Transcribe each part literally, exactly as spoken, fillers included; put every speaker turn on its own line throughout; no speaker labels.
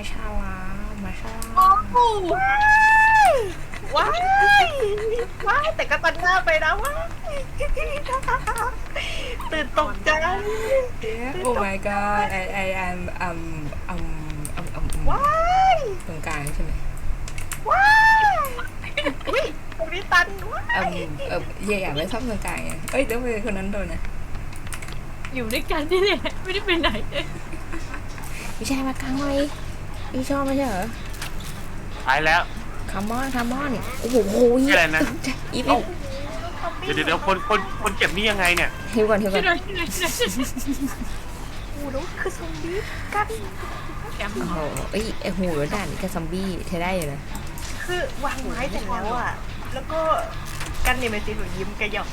ชาลามาชาลา
โอ้โหว้ายว้ายแต่ก็ตัดหน้าไปนะว้ายตื่นตกใจ
โอ้ my god I I am um um um um
ว้าย
ตรงกลางใช่ไหม
ว้ายอุ้ยตรงนี้ตันว้า
เอ่
ย
มเอ่ออย่าอยากไปซ่อมตรงกลางไงเอ้ยเดี๋ยวไปคนนั้นโดนนะ
อยู่ด้วยกันนี่แหละไม่ได้ไปไหนเลย
พี่ชายมากลางเลยพี่ชอบไม่ใช่เหรอ
ตายแล้ว
คามอนคามอนโอ้โห
อะไรนะ
อีฟ
เอ้า เดี๋ยวเดี๋ยวเดี๋ยวคนคนคนเจ็บนี่ยังไงเนี่ย
ฮิวก่อนฮิวก่
ช่
อ
วน ยหน่อยช่วยหน่อยช่วยหน่อย
โอ้โหแล้วคือซอมบี้กัน
แกม
โอ้โหเอ้ยไอหูรถด่านกับซอมบี้เธอได้อยู่นะ
คือวางไม้เสร็จแล้วอ่ะแล้วก็กันเนี่ยเป็นสีหนูยิ้มกระหยอก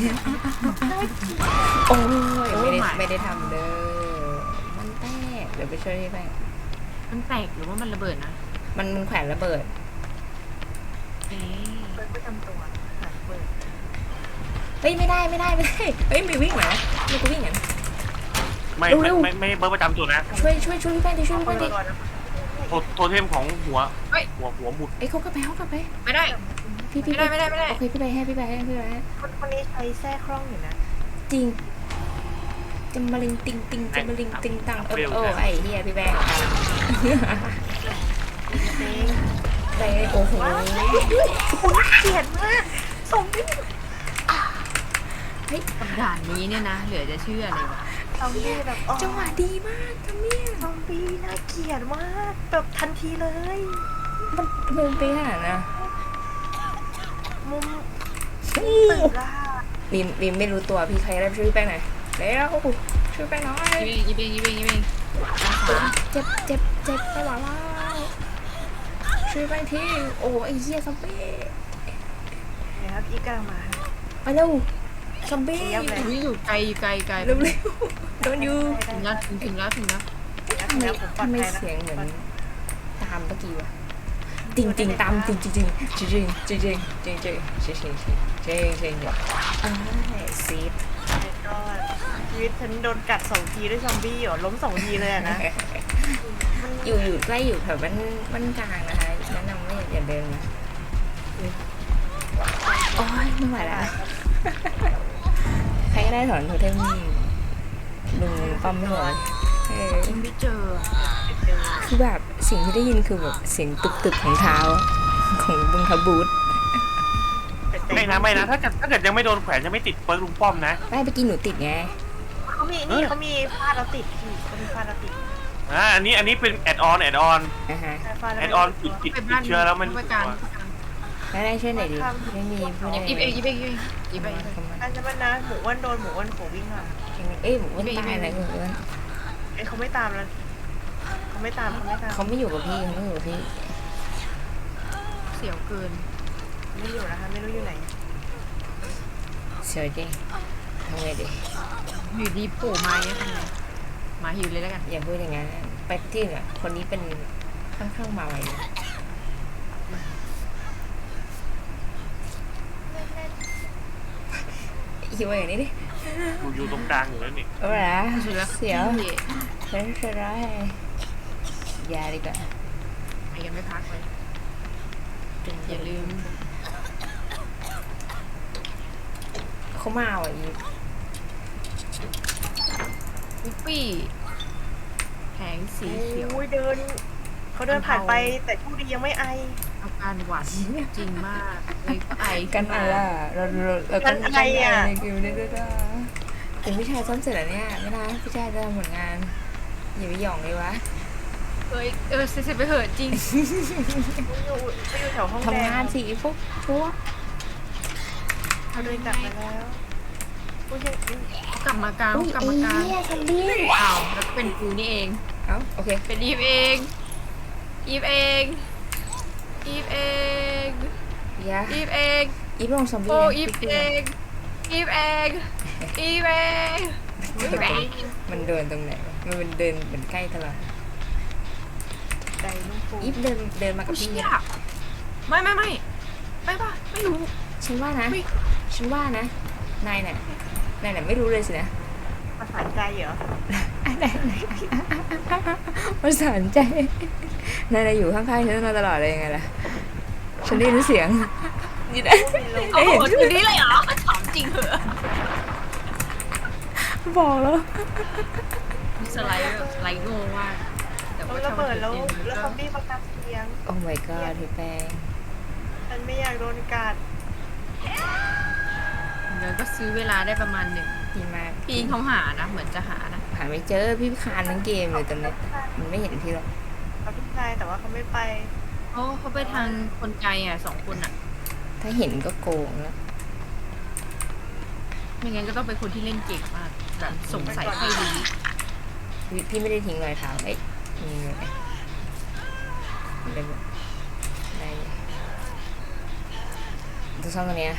โอ้ยไม่ได้ไม่ได้ทำเด้อมันแตกเดี๋ยวไปช่วยพี่แป้ง
มันแตกหรือว่ามันระเบิดนะ
มันมันแขวนระเบิด
เอ๊ะ
เปิดประจำตัวหลังเปิด
เฮ้ยไม่ได้ไม่ได้ไม่ได้เฮ้ยมีวิ่งเหรอมีกูวิ่งเหรอ
ไม่
เร็
ไม่
วๆ
ไม่ไม่เบอร์ประจำตัวนะ
ช่วยช่วยช่วยพี่แป้งดิช่วยพี่
เปิ
แป้
ด
งดิ
ก่อนนะ
โทโทเทมของหัวหัวหัวหมุด
เอ้ยเขากลับไปเขากลับไป
ไม่ได้
พี่พี่
ไม่ได้ไม่ได้ไม่ได้
โอเคพี่ไปให้พี่ไปให้พี่ไปให้
คนคนนี้ใช้แทร่คล่องอยู่นะ
จริงจะมาลิงติงติงจะมาลิงติงตังเออโอ้ไอ้เฮียพี่แป้งไปโอ้โห
คุณเกลียดมากส่งไม่
กับด่านนี้เนี่ยนะ เหลือจะเชื่อเลยวะ
ซอมบี้แบบอ๋อ
จังหวะดีมากทำเนี่ย
ซอมบี้น่าเกลียดมากแบบทันทีเลย
มันมันเป็นขนาดนะ
มุม
โอ้
ตึกอะ
บีมบีมไม่รู้ตัวพี่ใครได้ช่วยพี่แป้งหน่อยเร็วช่วยแป้งหน่อย
ยิบเองยิบเองยิบเองยิบเองด้านขวา
เจ็บเจ็บเจ็บไม่ไหวแล้วช่วยแป้งทีโอ้ไอ้เหี้ยซอมบี้
เนี่ยครับอีกกำลังมา
ไปเร็วซอมบี้
เจี๊ยบเลย
อุ้ยอยู่ไกลอยู่ไกลไกล
เร็วเร็วโดนยู
ถึงแล้วถึงถึงแล้วถึงแล้ว
ทำไมทำไมเสียงเหมือนตามเมื่อกี้วะจริงจริงตามจริงจริงจริงจริงจริงจริงจริงจริงจริงจริงจริงจริงจริงจริงอ่าซีด
ก็ชีวิตฉันโดนกัดสองทีด้วยซอมบี้เหรอล้มสองทีเลยอะนะ
อยู่อยู่ใกล้อยู่แถวบ้านบ้านกลางนะคะแนะนำว่าอย่าเดินนะโอ้ยไม่ไหวแล้วใครก็ได้ถอนโทเทมลุงป้อมไม่ไหวเออ
ยังไม่เจอ
คือแบบสิ่งที่ได้ยินคือแบบเสียงตึกตึกของเท้าของบุงทบูธ
ไม่นะไม่นะถ้าเกิดถ้าเกิดยังไม่โดนแขวนยังไม่ติดเปิร์กลุงป้อมนะ
ไม่ไปกินหนูติดไง
เขามีนี่เขามีฟาดแล้วติดพี่เขามีฟาดแล้วติด
อ่าอันนี้อันนี้เป็นแอดออนแอดออน
นะฮะ
ฟาดแล้ว
แอ
ไม่
ดออน
ติ
ติ
ด
ด
ตัว
ติดติดเชื้อแล้วมัน
ไปการ
แล้วได้ช่วยหน่อยดิไม่มีผู้ใด
ยิบเองยิบเองยิบเองยิบเอง
อันจะมันนะหมูอ้วนโดนหมูอ้วนโผวิ่งอ่ะ
เอ้ยหมูอ้วนตายอะไรหมูอ้วน
เอ้ยเขาไม่ตามแล้วเขาไม่ตามเขาไม่ตาม
เขาไม่อยู่กับพี่เขาไม่อยู่กับพี่
เสียวเกิน
ไม่อยู่นะคะไม่รู้อยู่ไหน
เฉยจริงทำไงดี
อยู่ดีโผล่มาเนี่ยทำไงมาหิวเลยแล้วกัน
อย่าพูดอย่างนั้นไปที่เนี่ยคนนี้เป็นค่อนข้างมาไวหิวอย่างนี้ดิ
อยู่อยู่ตรงกลางอยู่แล้วนี่
เอาละ
สุดแล้ว
เสียวเล่นเสียร้ายยาดีกว่า
ไปกันไม่พักเลยอย่าลืม
เขามาอ่ะอี
วิปปี้แผงสีเขียว
โอ้ยเดินเขาเดินผ่านไปแต่ผู้ดียังไม่ไอ
อาการหวัดจริงมากเลยก็ไอ
กันอะไรอ่ะเราเราเรากันอะไรอ่ะในคิวนี่ด้วยนะเป็นพี่ชายซ้อมเสร็จแล้วเนี่ยไม่นะพี่ชายจะทำผลงานอย่าไปหย่องเลยวะ
เอ้ยเออเสร็จไปเหอะจริง
ไม่อยู่ไม่อยู่แถวห้องแด
ทำงาน
ง
สิพวกชัว
เขาเดินกลับมาแล้วผู้ยัง
กลับมากลาง
อุ้ย
กลับ
ไอ้
มากลาง
เนี่ยซัมบี้
อ้าวแล้วก็เป็นกูนี่เอง
เอ้าโอเค
เป็นอีฟเองอีฟเองอีฟเอง
ยา
อีฟเอง
อีฟลงซอมบี้
โอ้อีฟเองอีฟเองอีฟเองอีฟเอง
มันเดินตรงไหนมันเป็นเดินเหมือนใกล้ตลอด
ใจนุ่มฟู
อีฟเดินเดินมากับ
เชี่
พี่
ยไม่ไม่ไม่ไม่ป่ะไม่รู้
ฉันว่านะ
อุ๊ย
ฉันว่านะนายน่ะนายน่ะไม่รู้เลยสินะ
ภาษาใจเหรอ
อะไรอะไรประสานใจนายอยู่ข้างๆฉันมาตลอดเลยยังไงล่ะฉันได้ยินเสียงนี่นะ
โอ้โหทีนี้เลยเหรอถามจริงเหรอ
บอกแล้ว
สไลด์แบบสไลด์โง่ว่ากแต่
แล้ว
ว่า
ระเบิดแล้ว
ถ้ามัน
แล้วซ
ก็
อมบี้ประกาศเสียง
โอ้ my god พี่แป้ง
ฉันไม่อยากโดนกัด
เดี๋ยวก็ซื้อเวลาได้ประมาณหนึ่ง
ดีมาก
พี่เขาหานะ เหมือนจะหานะ
หาไม่เจอพี่คานทั้งเกมเลยตอนนี้มันไม่เห็นพี่หรอก
เขาพี่ชายแต่ว่าเขาไม่ไป
เขาเขาไปทางคนไกลอ่ะสองคนอ่ะ
ถ้าเห็นก็โกงแล้ว
ไม่งั้นก็ต้องเป็นคนที่เล่นเก่งมากแบบสงสัยใครรู้
พี่พี่ไม่ได้ทิ้งรอยเท้าเอ้ยมีไหมได้ไหมได้ตัวซ่อมตัวเนี้ย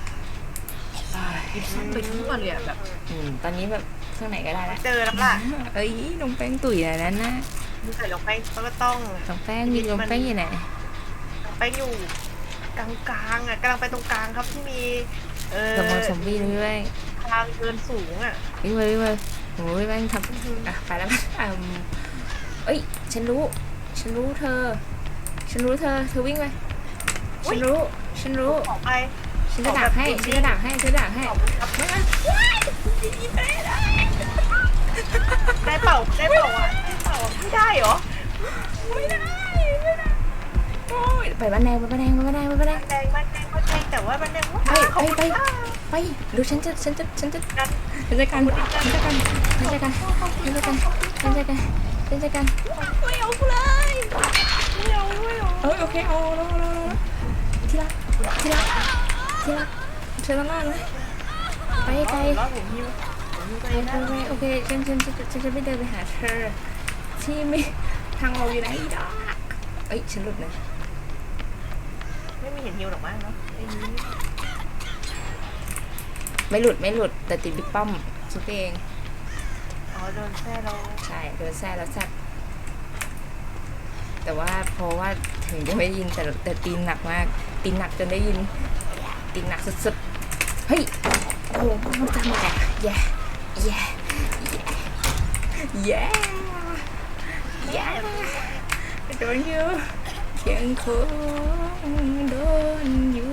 ยิบซ้ำไปทั่วเลยอะแบบ
อืมตอนนี้แบบเครื่องไหนก็ได้ละ
เจอแล้วล่ะ
เอ้ยนมแป้งตุ๋ยอะไรนั่นนะ
มึงใส่ลงไปเขาก็ต้อง
นมแป้งมีนมแป้งอยู่ไหน
ไปอยู่กลางๆอ่ะกำลังไปตรงกลางครับที่มี เออ
ระวังซอมบี้ด้วย
ทางเดินสูงอ่ะ
วิ่งไปวิ่งไปโอ้ยแม่งทำอ่ะไปแล้วอ่ะเอ้ยฉันรู้ ฉันรู้เธอ ฉันรู้เธอเธอวิ่งไปฉันรู้ ฉันรู้
ออกไป
ฉันจะดักให้ฉันจะดักให้ฉันจะดักให้ไม่ไม่
ได้เปล่าได้เปล่าอ่ะได้เปล่าไม่ได้เหรอ
ไม่ได้ไม่ได้โอ้ยไปบ้านแดงไปบ้านแดงไปบ้านแดงไปบ้านแดง
แดงมันแดงมันแดงแต่ว่ามันแดงว่า
ไป
ขอบ
ไป
คุณ
ไป
ค่ะ
ไปดูฉันจะฉันจะฉันจะ
กัน
ฉันจะกันฉันจะกันฉันจะกันฉันจะกันฉันจะกันฉันจะกันไม่เอาเลยไม่เอาไม่เอาเออโอเคเอาเอาเอาเอาที่รักที่รักที่รักเธอต้องรอดไหมไปไกล
รอดผมหิวผมหิวไป
ไป
นะ
ไปโอเคฉันฉันฉันฉันจะไม่เดินไปหาเธอที่ไม่ทางเราอยู่ไหนดอกเอ้ยฉันหลุดนะ
ไม่มีเห็นหิวหรอกมั้งเนาะไอ้นี้
ไม่หลุดไม่หลุดแต่ติดบิ๊กป้อมคิดเอง
อ๋อโดนแซ่เรา
ใช่โดนแซ่แล้วแซ่บแต่ว่าเพราะว่าถึงจะไม่ได้ยินแต่แต่ตีนหนักมากตีนหนักจนได้ยินตีนหนักสุดๆเฮ้ยโอ้โหมันทำอะไรอ่ะแย่แย่แย่แย่โดนอยู่ยังคงโดนอยู่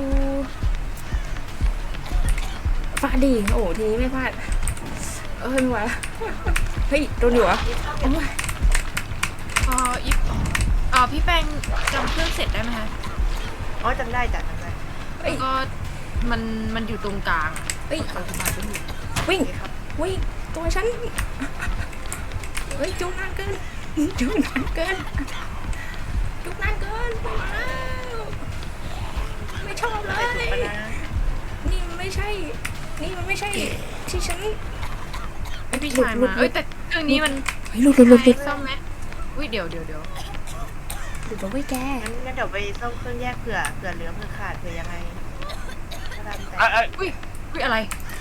ฟาดดิโอ้โหทีนี้ไม่พลาดเอ้ยไม่ไหวละเฮ้ยโดนอยู่เหรอโอ้ย
เอออีฟอ๋อพี่แป้งจำเครื่องเสร็จได้ไหมคะ
อ๋อจำได้จ้ะจำได้
เอ้
แล้
ยว
ก็มันมันอยู่ตรงกลาง
เอ้ย
เราสามารถไปดู
วิ่ง
โอเคครับ
วิ่งตัวฉันเฮ้ยจุกนานเกินจุกนานเกินจุกนานเกินไปแล้วไม่ชอบเล
ไปถูก
ย
ปะนะ
นี่มันไม่ใช่ นี่มันไม่ใช่ที่ฉัน
ไอพี่
หลุด
ชาย
หลุ
มา
ดหลุ
เอ้ย
ด
แต่เครื่องนี้มัน
เฮ้ยหลุดหลุดหลุดหลุด
ซ่อมไหมอุ้ยเดี๋ยวเดี๋ยวเดี๋ยว
หลุดแล้วเว้ยแก
งั้นงั้นเดี๋ยวไปซ่อมเครื่องแยกเผื่อเผื่อเหลือเผื่อขาดเผื่อยังไงก็ตามแต่
เอ้ยเอ้ย
อุ้ยอุ้ยอะไร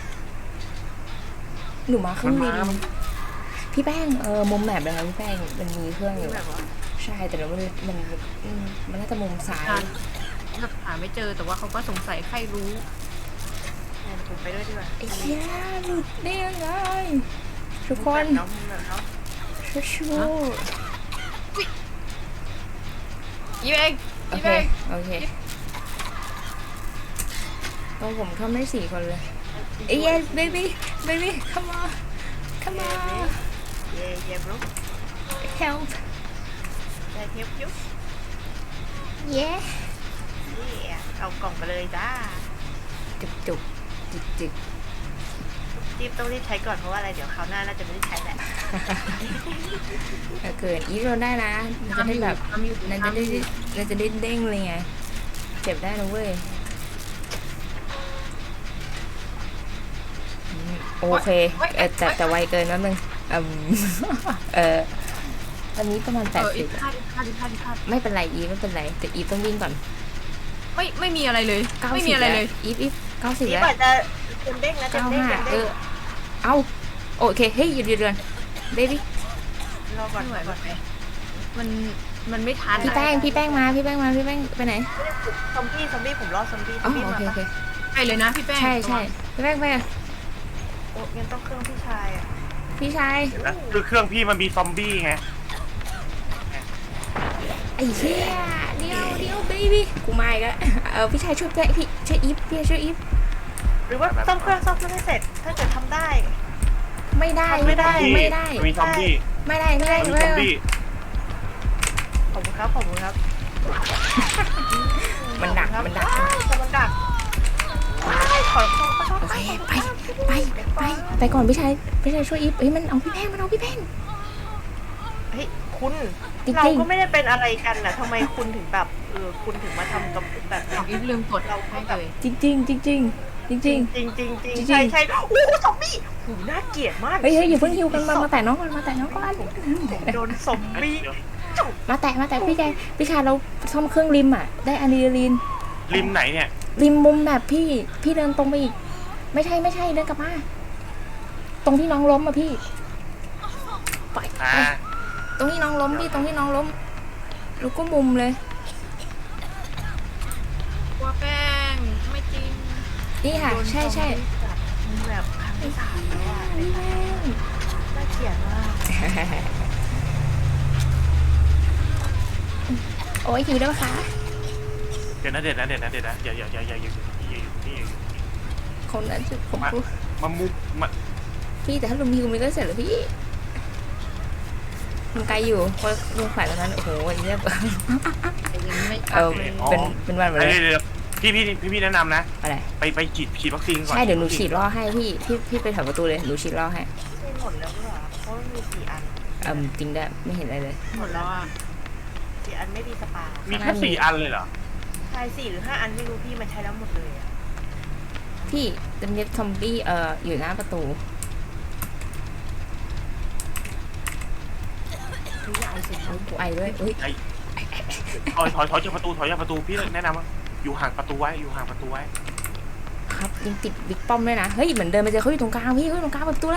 หนูมาเครื่องบิน
มันมา
พี่แป้งเออมุมแมปเลยครับพี่แป้งมันมีเครื่องอยู่
แบบว่า
ใช่แต่เราไม่รู้มันอืมมันน่าจะมุมซ้าย
อ่ะ แบบหาไม่เจอแต่ว่าเขาก็สงสัยใครรู้
งั้นผมไปด้วยดีกว่า
ไอ้เหี้ยหลุดได้ยังไงทุกคน
แบบน้องแบบน้อง
ช่วยช่วย
อีฟเอง
โอ
อีฟ
เค
เอง
โอเคตรงผมเข้าไม่ได้สี่คนเลยเอ้ย baby baby come on come on
เย่เย่บลู
help
ได้เทียบยุบ
yeah
นี่เอากล่องไปเลยจ้า
จุกจุกจิกจิก
รีบต้องรีบใช้ก่อนเพราะว่าอะไรเดี๋ยวคราวหน้าน่าจะไม่ได้ใช้แหละ
ถ้าเกิดอีฟเราได้นะมันจะได้แบบ
ทำอยู่
นั่นจะ
ทำอ
ได้
ยู่
นั่นจะได้เด้งเลยไงเจ็บได้นะเว้ยอืมโอเคเออแต่แต่ไวเกินนิดนึงอืม เออตอนนี้ประมาณแป
เอ
ด
ออี
สิบ
ฟพลาดอีฟพลาดอีฟพลาดอีฟพลาด
ไม่เป็นไรอีฟไม่เป็นไรแต่อีฟต้องวิ่งก่อน
ไม่ไม่มีอะไรเลย
เก้า
ไม่
สิ
มี
บ
อะไร
แล้ว
เลย
อีฟอีฟเก้าสิบ
นี่
แล้ว
กว่าจะเต็มเด้งนะเต็ม
เก้า
เด้ง
ห้า
เต็ม
เอ
เด้ง
อเอาโอเคเฮ้ยหยุดหยุดก่อนเบบี้
รอก่อน
ไม่ไหว
ก่อน
ไม่ไหวมันมันไม่ทัน
พี่แป้งพี่แป้งมาพี่แป้งมาพี่แป้งไปไหน
ซอมบี้ซอมบี้ผมรอซอมบี้ซ
อ๋
อ
อ
มบี้
โอ
มา
เคโอ
ปะ
เค
ไปเลยนะพี่แป้ง
ใช่ใช่พี่แป้งไปอ่ะ
โอ้งั้นต้องเครื่องพี่ชายอ่ะ
พี่ชาย
เห็นไหมคือเครื่องพี่มันมีซอมบี้ไง
ไอ้เชี่ยเดี๋ยวเดี๋ยวเบบี้กูมาอีกแล้วเออพี่ชายช่วยด้วยพี่ช่วยอีฟพี่ช่วยอีฟ
หรือว่าซ่อมเครื่องซ่อมเครื่องให้เสร็จ ถ้าเกิดทำได้
ไม่ได้
ทำไม่ได้
ไม่ได้
มันมีซอมบี้
ไม่ได้ไม่ได้
มันมี
ไม่
ซอม
ได้
บี้
ขอบคุณครับขอบคุณครับ
มันดักมันดัก
อ้าวแต่มันดักว้ายขอขอขอ
โอเคไปไปไปไปก่อนพี่ชายพี่ชายช่วยอีฟเอ้ยมันเอาพี่แพงมันเอาพี่แพง
เฮ้ยคุณ
จริงๆ
เราก็ไม่ได้เป็นอะไรกันน่ะทำไมคุณถึงแบบเออคุณถึงมาทำกับแบบนี้
อีฟลืมกดให้เลย
จริงจริงจริงจริงจริงจริง
จริงจริงจริง
จริง
ใช่ใช่โอ้โหซอมบี้หูน่าเกลียดมาก
เฮ้ยเฮ้ยอย่าเพิ่งฮิวกันมามาแต่น้องก่อนมาแต่น้องก่อน
โดนซอมบี้
เดี๋ยว
มาแต่มาแต่พี่ชายพี่ชายเราซ่อมเครื่องริมอ่ะได้อะดรีนาลีน
ริมไหนเนี่ย
ริมมุมแบบพี่พี่เดินตรงไปอีกไม่ใช่ไม่ใช่เดินกลับมาตรงที่น้องล้มอ่ะพี่ไป
อ่า
ไปตรงที่น้องล้มพี่ตรงที่น้องล้มแล้วก็มุมเลย
กลัวแป้งไม่จริง
นี่ค่ะใช่ใช่
มันแบบครั้งที่สามแล้วอ่ะ
พี่แม่ง
น่าเกลียดมาก
โอ้ยหิวได้ปะคะ
เดี๋ยวนะเดี๋ยวนะเดี๋ยวนะเดี๋ยวนะอย่าอย่าอย่าอย่าอย่าอย่าอยู่นี่อย่าอยู่นี่
คนนั้นจะผม
มา
พูด
มามุกมา
พี่แต่ถ้าลุมฮิวมันก็เสร็จแล้วพี่มันไกลอยู่เพราะลุงขวัญตอนนั้นโอ้โหอันนี้แบบ
แต่ยังไม่
เออเป็นเป็นวันหมด
เดี๋
เลย
วย เดี๋ยวพี่พี่พี่พี่แนะนำนะ
อะไร
ไปไปฉีดฉีดวัคซีนก่อน
ใช่เดี๋ยวหนูฉีดล่อให้พี่พี่พี่ไปแถวประตูเลยหนูฉีดล่อให้
ไม่หมดแล้วเหรอเพราะมันมีสี่อัน
เออจริงด้วยไม่เห็นอะไรเลย
หมดแล้วอ่ะ
สี่อันไม่มีสปา
มีแค่สี่อันเลยเหรอ
ใช่สี่หรือห้าอันไม่รู้พี่มันใช้แล้วหมดเลยอะ
พี่จะมีซอมบี้เอ่ออยู่หน้าประตู
พี่ยายเสร็จแล้ว
กูไอด้วยเอ้ย
ไอ้ถอยถอยถอยจากประตูถอยจากประตูพี่แนะนำว่าอยู่ห่างประตูไว้อยู่ห่างประตูไว้
ครับยังติดบิ๊กป้อมด้วยนะเฮ้ยเหมือนเดินไปเจอเขาอยู่ตรงกลางพี่เขาอยู่ตรงกลางเปิดประตูเลย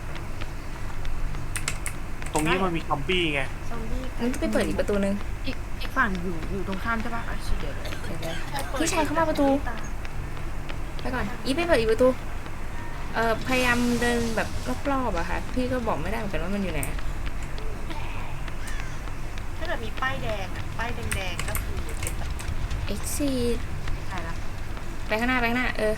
ตรงนี้มันมีซอมบี้ไง
ซอมบี้
งั้นก็ไปเปิดอีกประตูนึง
อีกอีกฝั่งอยู่อยู่ตรงข้ามใช่ปะอ่ะเดี๋ยว
เดี๋ยวๆพี่ชายเข้ามาประตูไปก่อนอีฟไปเปิดอีกประตูเอ่อพยายามเดินแบบรอบๆอะค่ะพี่ก็บอกไม่ได้เหมือนกันว่ามันอยู่ไหน
ถ้าเกิดมีป้ายแดงอะป้ายแดงๆก็คือเป็นแบบ
เอ็กซีด
ใช่ละ
ไปข้างหน้าไปข้างหน้าเออ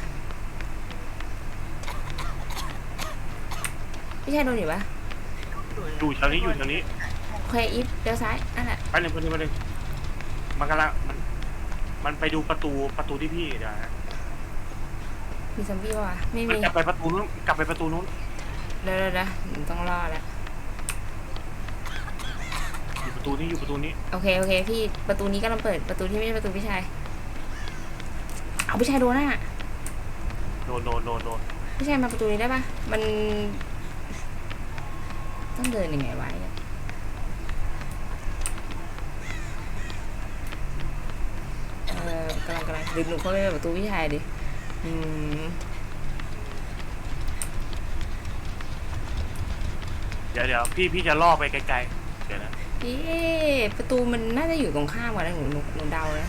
พี่ชายโดนอยู่ปะ
อยู่แถวนี้อยู่แถวนี้
โอเคอีฟเลี้ยวซ้ายนั่นแหละ
ไปหนึ่งไปหนึ่งไปหนึ่งมันกำลังมันมันไปดูประตูประตูที่พี่เดี๋ยวนะ
มีซอมบี้ปะวะไม่
มัน
มี
กลับไปประตูนู้นกลับไปประตูนู้น
เดี๋ยวเดี๋ยวเดี๋ยวหนูต้องรอแล้ว
อยู่ประตูนี้อยู่ประตูนี้
โอเคโอเคพี่ประตูนี้กำลังเปิดประตูที่ไม่ใช่ประตูพี่ชายเอาพี่ชายโดนน่ะ
โดนโดนโดนโดน
พี่ชายมาประตูนี้ได้ปะมันต้องเดินยังไงไว้อะเออกำลังกำลังดึงหนูเข้าไปในประตูพี่ชายดิอืม
เดี๋ยวเดี๋ยวพี่พี่จะล่อไปไกลๆเดี๋ยวนะ
เอ๊ะประตูมันน่าจะอยู่ตรงข้ามกันนะหนูหนูหนูเดานะ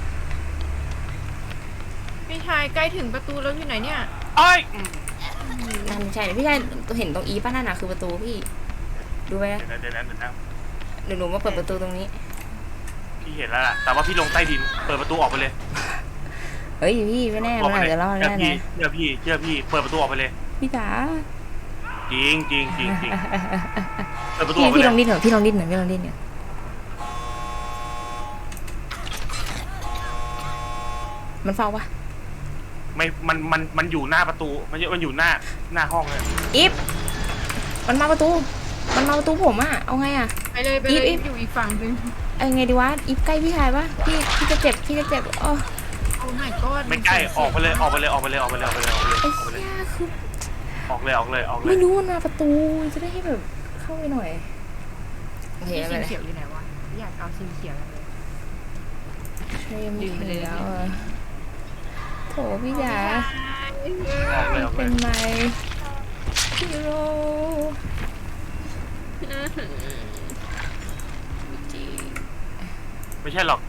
พี่ชายใกล้ถึงประตูแล้วอยู่ไหนเนี่ย
เอ้ยอืม
นั่นไม่ใช่พี่ชายเห็นตรงอีป้านั่นน่ะคือประตูพี่ดูไปนะ
เดี๋ยวนะเดี๋ยวนะเดี๋ยวนะ
เดี๋ยวหนูมาเปิดประตูตรงนี้
พี่เห็นแล้วล่ะแต่ว่าพี่ลงใต้ดินเปิดประตูออกไปเลย
เฮ้ยพี่ไม่แน่
ออก
มัน
ไป
อาจ
เลย
จะรอด
เชื่อ
แน่
พี่
นะ
เชื่อพี่เชื่อพี่เปิดประตูออกไปเลย
พี่จ๋า
จริงจริงจริงจริงเปิดประตู
พี่
ออกไป
พี่
เล
ลอย งดิ้นหน่อยพี่ลองดิ้นหน่อยพี่ลองดิ้นหน่อยมันเฝ้าปะ
ไม่มันมันมันอยู่หน้าประตูมันมันอยู่หน้าหน้าห้องเลย
อีฟมันมาประตู มันมาประตูผมอะเอาไงอะ
ไปเลยไปเลย
อีฟ
อยู่อีกฝั่งหนึง
เอาไงดีวะอีฟใกล้พี่ชายปะพี่พี่จะเจ็บพี่จะเจ็บโอ้
โอ้ my god
ไม่ใกล้ออกไปเลยออกไปเลยออกไปเลยออกไปเลยออกไปเลยออกไปเลย
ไอ้
ออกไปเลย
เหี้ยคือ
ออกเลยออกเลยออกเลย
ไม่รู้มันมาประตูจะได้ให้แบบเข้าไปหน่อยโอเค
พี่
ไม่
สี
เป็นไร
เขียวอยู่ไหนวะอยากเอาสีเขียวเลย
ช่วยไม่ถึงแล้วอะโถพี่จ๋า
ออกเลยออกเล
เป็
ย
นไมฮีโร่จริง
ไม่ใช่หรอก